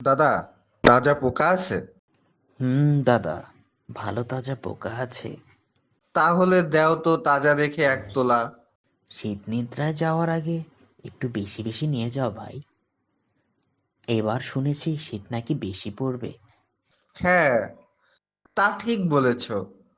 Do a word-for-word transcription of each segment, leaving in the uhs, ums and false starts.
দাদা, তাজা পোকা আছে? হুম দাদা, ভালো তাজা পোকা আছে। তাহলে দেও তো তাজা দেখে এক তোলা। শীত নিদ্রায় যাওয়ার আগে একটু বেশি বেশি নিয়ে যাও ভাই। এবার শুনেছি শীত নাকি বেশি পড়বে। হ্যাঁ, তা ঠিক বলেছ।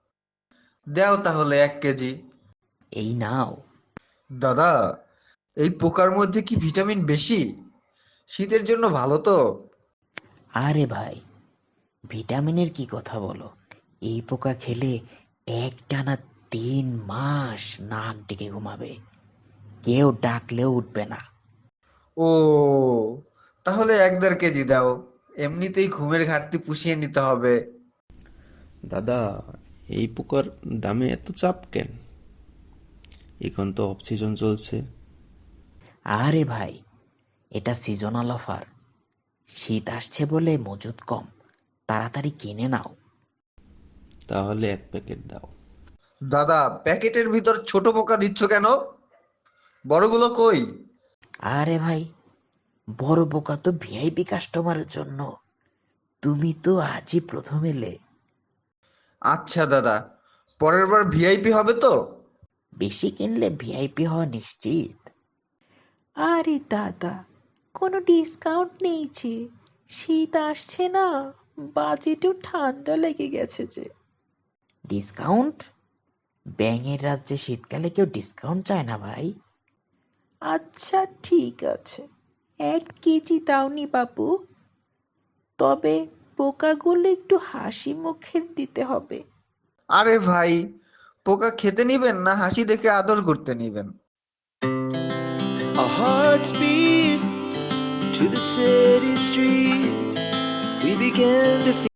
দেও তাহলে এক কেজি। এই নাও। দাদা, এই পোকার মধ্যে কি ভিটামিন বেশি? শীতের জন্য ভালো তো? আরে ভাই, ভিটামিনের কি কথা বলো? এই পোকা খেলে একটানা তিন মাস নাক ডেকে ঘুমাবে, কেউ ডাকলেও উঠবে না। ও, তাহলে এক দেড় কেজি দাও। এমনিতেই ঘুমের ঘাটতি পুষিয়ে নিতে হবে। দাদা, এই পোকার দামে এত চাপ কেন? এখন তো অফ সিজন চলছে। আরে ভাই, এটা সিজনাল অফার। শীত আসছে বলে মজুদ কম, তাড়াতাড়ি কিনে নাও। তাহলে এক প্যাকেট দাও। দাদা, প্যাকেটের ভিতর ছোট পোকা দিচ্ছ কেন? বড়গুলো কই? আরে ভাই, বড় বোকা তো ভিআইপি কাস্টমারের জন্য। তুমি তো আজই প্রথম এলে। আচ্ছা দাদা, পরের বার ভিআইপি হবে তো? বেশি কিনলে ভিআইপি হওয়া নিশ্চিত। আরে দাদা, কোনো ডিসকাউন্ট নেই যে, শীত আসছে না, বাজেটও ঠান্ডা লেগে গেছে যে। ডিসকাউন্ট? ব্যাঙের রাজ্যে শীতকালে কেউ ডিসকাউন্ট চায় না ভাই। আচ্ছা ঠিক আছে, এক কেজি দাওনি বাবু, তবে পোকাগুলো একটু হাসি মুখের দিতে হবে। আরে ভাই, পোকা খেতে নিবেন না হাসি দেখে আদর করতে নিবেন? Our hearts beat to the city streets. We began to